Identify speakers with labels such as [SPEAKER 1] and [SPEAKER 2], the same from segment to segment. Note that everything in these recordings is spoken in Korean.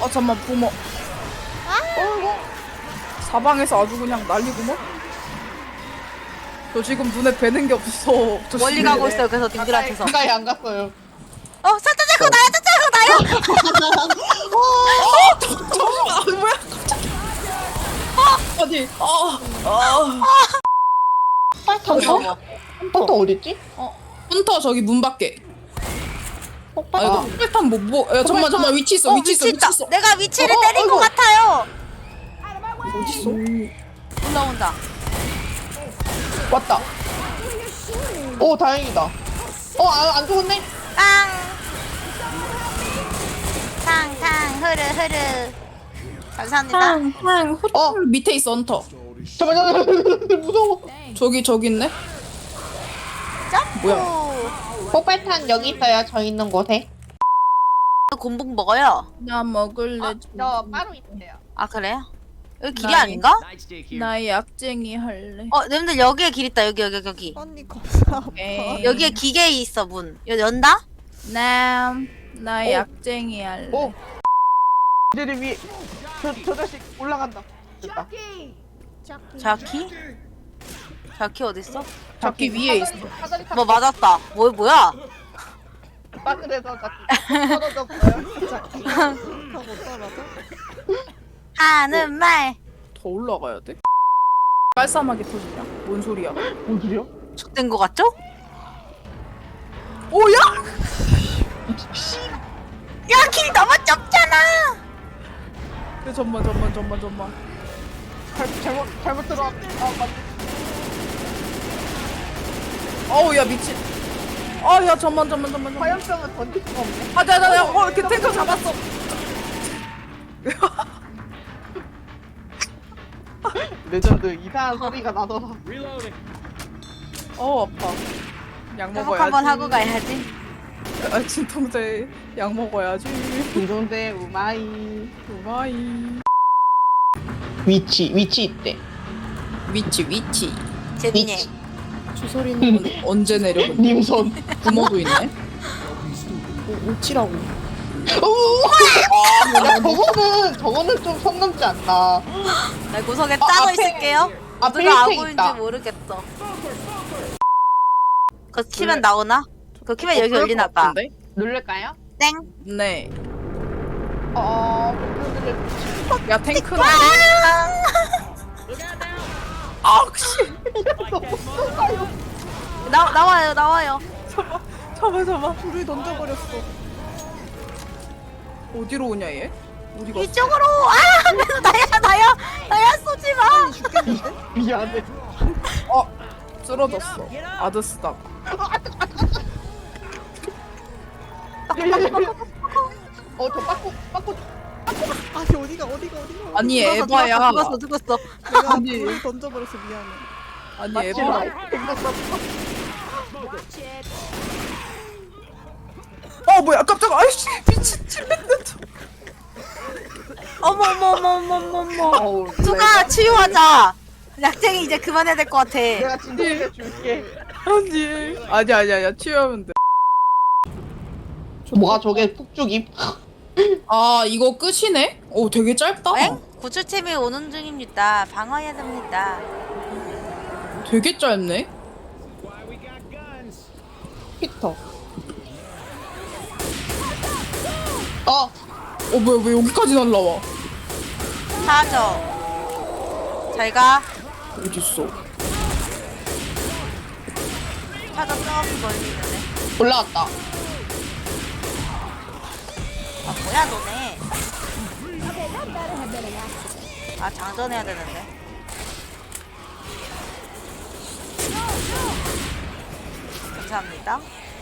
[SPEAKER 1] 아 잠만 부모. 사방에서 아주 그냥 난리구먼. 저 지금 눈에 뵈는 게 없어. 저
[SPEAKER 2] 멀리
[SPEAKER 1] 지금-
[SPEAKER 2] 가고 있어요. 그래서 님들한테서.
[SPEAKER 3] 가까이 안 갔어요.
[SPEAKER 2] 사자자고 나야, 사자자고 나요.
[SPEAKER 1] 아 뭐야 갑자기. 아니
[SPEAKER 3] 헌터? 헌터 어딨지?
[SPEAKER 1] 헌터 저기 문 밖에. 아 이거
[SPEAKER 3] 아.
[SPEAKER 1] 폭발탄 뭐 야, 잠만 위치 있어 위치 있어
[SPEAKER 2] 위치 있다.
[SPEAKER 1] 위치 있어.
[SPEAKER 2] 내가 위치를 때린
[SPEAKER 3] 아이고.
[SPEAKER 2] 것 같아요.
[SPEAKER 1] 어딨어?
[SPEAKER 2] 올라온다.
[SPEAKER 3] 왔다. 오, 다행이다. 안 죽었네?
[SPEAKER 2] 빵. 탕탕 흐르. 감사합니다.
[SPEAKER 1] 탕탕 호텔 밑에 있어 헌터.
[SPEAKER 3] 잠깐만, 무서워.
[SPEAKER 1] 저기 있네.
[SPEAKER 2] 점프.
[SPEAKER 1] 뭐야?
[SPEAKER 3] 폭발탄 여기 있어요, 저 있는 곳에.
[SPEAKER 2] 곰붕 먹어요.
[SPEAKER 1] 나 먹을래.
[SPEAKER 3] 저 바로 있어요.
[SPEAKER 2] 아 그래요? 여기 길이
[SPEAKER 1] 나이.
[SPEAKER 2] 아닌가?
[SPEAKER 1] 나 약쟁이 할래.
[SPEAKER 2] 님들 여기에 길 있다. 여기.
[SPEAKER 4] 언니 겁나
[SPEAKER 1] 오케이.
[SPEAKER 2] 여기에 기계 있어 문. 연다?
[SPEAKER 1] 나 약쟁이 할래.
[SPEAKER 3] 오. 이들 위에 저 자식 올라간다. 됐다.
[SPEAKER 2] 자키 어딨어?
[SPEAKER 1] 잡기 위에 있어.
[SPEAKER 3] 사다리 타고
[SPEAKER 2] 뭐 맞았다. 뭐야?
[SPEAKER 3] 바늘에서 자꾸 떨어졌어요.
[SPEAKER 4] 못 떨어져?
[SPEAKER 2] 하는 말.
[SPEAKER 1] 더 올라가야 돼? 깔쌈하게 터지냐? 뭔 소리야?
[SPEAKER 3] 뭔 소리야?
[SPEAKER 2] 죽된 거 같죠?
[SPEAKER 1] 오야!
[SPEAKER 2] 야, 길 너무 좁잖아.
[SPEAKER 1] 야, 잠만.
[SPEAKER 3] 잘못 들어왔. 맞.
[SPEAKER 1] 어우 야 미친. 야 잠만.
[SPEAKER 3] 화염병은 던질 수가 없네.
[SPEAKER 1] 나 이렇게 탱커 잡았어.
[SPEAKER 3] 레전드 이상한 소리가 나더라.
[SPEAKER 1] 아파. 약
[SPEAKER 2] 회복
[SPEAKER 1] 먹어야지.
[SPEAKER 2] 한번 하고 가야지.
[SPEAKER 1] 진통제 약 먹어야지.
[SPEAKER 3] 중동대 우마이.
[SPEAKER 1] 우마이.
[SPEAKER 3] 위치 있대.
[SPEAKER 1] 위치.
[SPEAKER 2] 재민이.
[SPEAKER 1] 주소리는 언제 내려오는?
[SPEAKER 3] 님손.
[SPEAKER 1] 부모도 있네. 오치라고.
[SPEAKER 3] 저거는 좀 선 넘지 않나.
[SPEAKER 2] 나 구석에 짜고
[SPEAKER 3] 앞에-
[SPEAKER 2] 있을게요.
[SPEAKER 3] 앞에
[SPEAKER 2] 누가
[SPEAKER 3] 힐팩
[SPEAKER 2] 아구인지
[SPEAKER 3] 있다.
[SPEAKER 2] 모르겠어. 그거 키면 나오나? 그거 키면 여기 열리나 봐.
[SPEAKER 3] 누를까요?
[SPEAKER 2] 땡.
[SPEAKER 1] 네.
[SPEAKER 3] 어.
[SPEAKER 1] 야 탱크는. 씨.
[SPEAKER 2] 나와요.
[SPEAKER 1] 잠깐.
[SPEAKER 4] 불을 던져버렸어.
[SPEAKER 1] 어디로 오냐 얘? 어디 갔어?
[SPEAKER 2] 이쪽으로. 나야 쏘지 마.
[SPEAKER 4] 죽겠는데?
[SPEAKER 3] 미안해.
[SPEAKER 1] 쓰러졌어. 아드스다.
[SPEAKER 3] 저 빠꾸.
[SPEAKER 4] 아니 어디가
[SPEAKER 1] 아니 에바야.
[SPEAKER 2] 죽었어.
[SPEAKER 4] 내가
[SPEAKER 1] 아니.
[SPEAKER 4] 불을 던져버려서 미안해.
[SPEAKER 1] 아니 에바. 뭐야 깜짝아. 아이씨 미친 찔린다.
[SPEAKER 2] 어머. 누가 치유하자. 약쟁이 이제 그만해야 될 것 같아.
[SPEAKER 3] 내가 진동해 줄게.
[SPEAKER 1] 아니야 치유하면 돼.
[SPEAKER 3] 뭐가 저게 폭죽임?
[SPEAKER 1] 이거 끝이네? 오 되게 짧다.
[SPEAKER 2] 엥? 구출팀이 오는 중입니다. 방어해야 됩니다.
[SPEAKER 1] 되게 짧네.
[SPEAKER 3] 피터.
[SPEAKER 1] 뭐야 왜 여기까지 날라와?
[SPEAKER 2] 사죠. 잘가.
[SPEAKER 1] 어딨어?
[SPEAKER 2] 차가 저기 멀리 있는데.
[SPEAKER 3] 올라왔다.
[SPEAKER 2] 뭐야 너네. 장전해야 되는데. 감사합니다.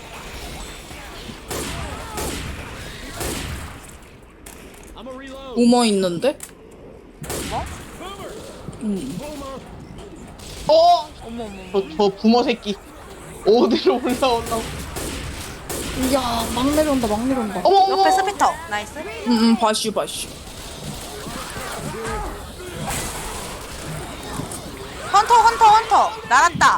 [SPEAKER 1] 우머 있는데?
[SPEAKER 2] 뭐?
[SPEAKER 3] 어머. 저 부모 새끼. 어디로 올라오려고.
[SPEAKER 1] 이야 막 내려온다.
[SPEAKER 3] 어머.
[SPEAKER 2] 옆에 스피터. 나이스.
[SPEAKER 1] 바슈.
[SPEAKER 2] 헌터. 날았다.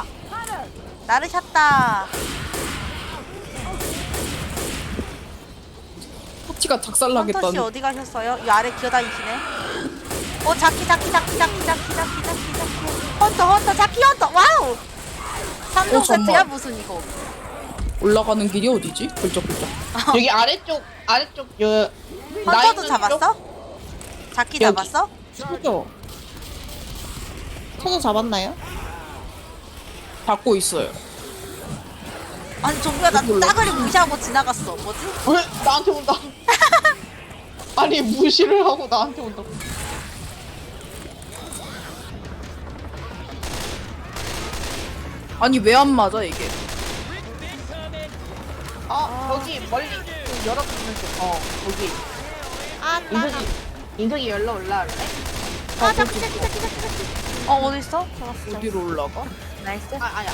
[SPEAKER 2] 나르셨다.
[SPEAKER 1] 파티가
[SPEAKER 2] 헌터 씨
[SPEAKER 1] 작살나겠다는.
[SPEAKER 2] 어디 가셨어요? 이 아래 기어다니시네. 자키. 헌터 자키 헌터. 와우. 3종 세트야
[SPEAKER 1] 잠깐만.
[SPEAKER 2] 무슨 이거?
[SPEAKER 1] 올라가는 길이 어디지? 굴쩍굴쩍.
[SPEAKER 3] 여기 아래쪽 여
[SPEAKER 2] 헌터도
[SPEAKER 3] 나이는
[SPEAKER 2] 잡았어? 자키
[SPEAKER 3] 여기.
[SPEAKER 2] 잡았어?
[SPEAKER 4] 소저. 소저 잡았나요?
[SPEAKER 1] 받고 있어요.
[SPEAKER 2] 아니 종구야 나 따그리 무시하고 지나갔어. 뭐지?
[SPEAKER 3] 왜 나한테 온다? 아니 무시를 하고 나한테 온다.
[SPEAKER 1] 아니 왜 안 맞아 이게?
[SPEAKER 3] 여기 멀리 그 열어보는 쪽. 거기.
[SPEAKER 2] 아
[SPEAKER 3] 인석이 열러 올라올래?
[SPEAKER 2] 자키. 어디 있어?
[SPEAKER 1] 어디로 올라가?
[SPEAKER 2] 나이스.
[SPEAKER 3] 아니야.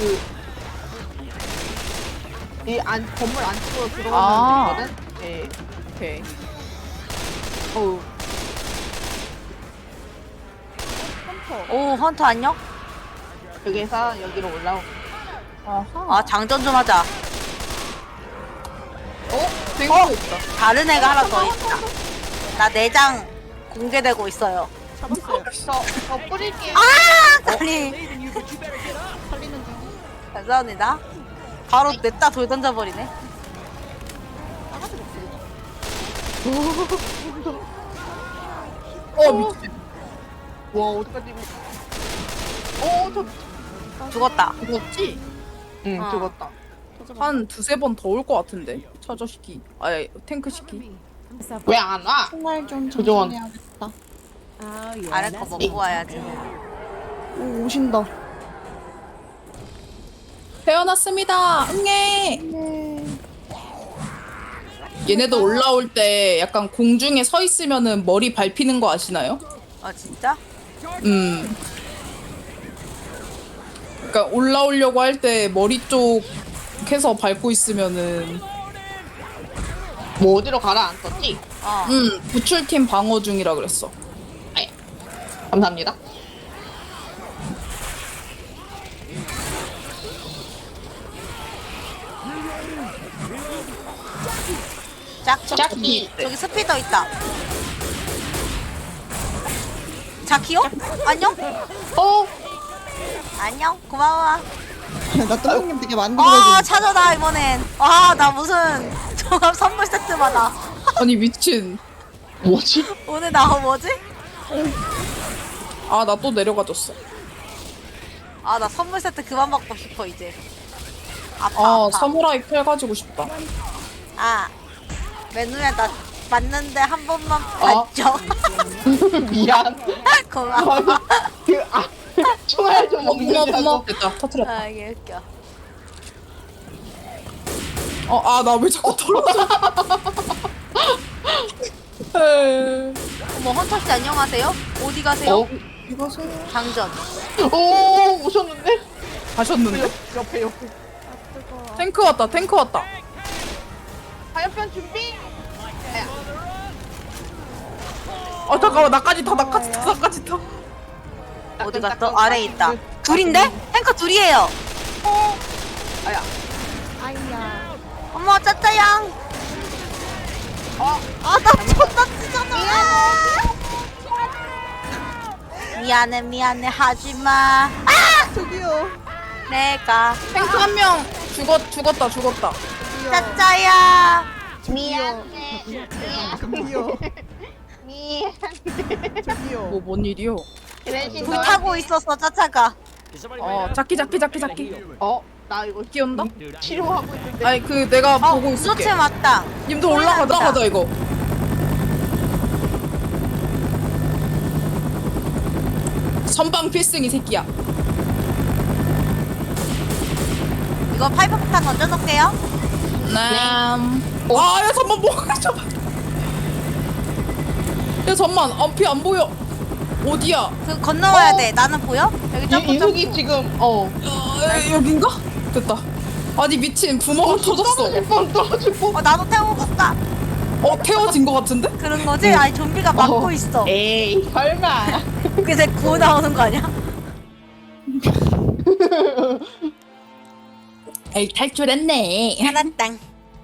[SPEAKER 3] 이 건물 안쪽으로
[SPEAKER 1] 아.
[SPEAKER 3] 들어가면 되거든. 네.
[SPEAKER 1] 오케이.
[SPEAKER 3] 어우.
[SPEAKER 2] 오 헌터 안녕?
[SPEAKER 3] 여기서 여기로 올라오.
[SPEAKER 2] 아 장전 좀 하자.
[SPEAKER 1] 탱크 있다.
[SPEAKER 2] 다른 애가 하나 더 있다. 나 내장 공개되고 있어요.
[SPEAKER 4] 잡았어요.
[SPEAKER 3] 저 뿌릴게요.
[SPEAKER 2] 아니
[SPEAKER 4] 살리는 중.
[SPEAKER 2] 감사합니다. 바로 냈다 돌 던져버리네.
[SPEAKER 1] 미친.
[SPEAKER 3] 와 어떡하지?
[SPEAKER 2] 죽었다.
[SPEAKER 1] 죽었지?
[SPEAKER 3] 응
[SPEAKER 2] 어.
[SPEAKER 3] 죽었다.
[SPEAKER 1] 한 두세 번 더 올 것 같은데. 차저 시키. 아니 탱크 시키.
[SPEAKER 3] 왜 안 와?
[SPEAKER 4] 정말 좀
[SPEAKER 3] 조정원.
[SPEAKER 4] 정신해야겠다.
[SPEAKER 2] 아래 거 먹고 와야지.
[SPEAKER 4] 오, 오신다.
[SPEAKER 1] 태어났습니다. 응애. 얘네도 올라올 때 약간 공중에 서 있으면은 머리 밟히는 거 아시나요?
[SPEAKER 2] 아 진짜?
[SPEAKER 1] 그러니까 올라오려고 할 때 머리 쪽 해서 밟고 있으면은
[SPEAKER 3] 뭐 어디로 가라 안 떴지?
[SPEAKER 1] 구출팀 방어 중이라 그랬어.
[SPEAKER 3] 아예. 감사합니다. 자키.
[SPEAKER 2] 저기 스피더 있다. 자키요? 안녕? 안녕 고마워.
[SPEAKER 4] 나 또형님 되게 많이
[SPEAKER 2] 아
[SPEAKER 4] 들어주는.
[SPEAKER 2] 찾아다 이번엔. 나 무슨 종합 선물 세트 받아.
[SPEAKER 1] 아니 미친.
[SPEAKER 3] 뭐지?
[SPEAKER 2] 오늘 나 뭐지?
[SPEAKER 1] 아 나 또 내려가졌어.
[SPEAKER 2] 나 선물 세트 그만 받고 싶어 이제. 아파.
[SPEAKER 1] 사무라이 칼 가지고 싶다.
[SPEAKER 2] 맨눈에 나 맞는데 한 번만 봤죠.
[SPEAKER 3] 미안.
[SPEAKER 2] 고마워.
[SPEAKER 3] 총알 좀
[SPEAKER 1] 어머
[SPEAKER 3] 먹는다고.
[SPEAKER 1] 어머 됐다 터트렸다.
[SPEAKER 2] 이게 웃겨.
[SPEAKER 1] 나 왜 자꾸 떨어져? 에이.
[SPEAKER 2] 어머 헌터씨 안녕하세요. 어디 가세요?
[SPEAKER 4] 이거세요.
[SPEAKER 2] 장전.
[SPEAKER 3] 오 오셨는데?
[SPEAKER 1] 가셨는데?
[SPEAKER 3] 옆에.
[SPEAKER 1] 탱크 왔다 탱크 왔다.
[SPEAKER 3] 화염병 준비.
[SPEAKER 1] 잠깐만 나까지 타.
[SPEAKER 2] 어디 갔어? 아래에 있다. 둘인데? 탱커 둘이에요.
[SPEAKER 3] 아야.
[SPEAKER 4] 아이야.
[SPEAKER 2] 어머 짜짜양. 나 존나 찢어져. 미안해 하지마.
[SPEAKER 4] 저기요.
[SPEAKER 2] 내가
[SPEAKER 1] 탱크 한 명 죽었다.
[SPEAKER 2] 짜짜야.
[SPEAKER 4] 저기요. 저기요.
[SPEAKER 1] 뭔 일이요?
[SPEAKER 2] 불타고 있었어 짜짜가.
[SPEAKER 1] 자키.
[SPEAKER 3] 나 이거
[SPEAKER 1] 끼온다?
[SPEAKER 3] 치료하고 있는데.
[SPEAKER 1] 아니 내가 보고 있을게.
[SPEAKER 2] 무소체 맞다.
[SPEAKER 1] 님도 올라가자 이거. 선방 필승 이 새끼야.
[SPEAKER 2] 이거 파이프 폭탄 던져놓을게요.
[SPEAKER 1] 야 잠만 야 잠만 앞이 안 보여. 어디야?
[SPEAKER 2] 그 건너와야 돼. 나는 보여? 여기 점프
[SPEAKER 3] 인석이
[SPEAKER 2] 점프.
[SPEAKER 3] 지금
[SPEAKER 1] 여긴가? 됐다. 아니 미친 부모가 터졌어.
[SPEAKER 3] 떨어질 뻔.
[SPEAKER 2] 나도 태우고 가.
[SPEAKER 1] 태워진 거 같은데?
[SPEAKER 2] 그런 거지? 아니 좀비가 막고 있어.
[SPEAKER 3] 에이 설마.
[SPEAKER 2] 그래서 구워 나오는 거 아니야?
[SPEAKER 1] 에이 탈출했네.
[SPEAKER 2] 하나땅.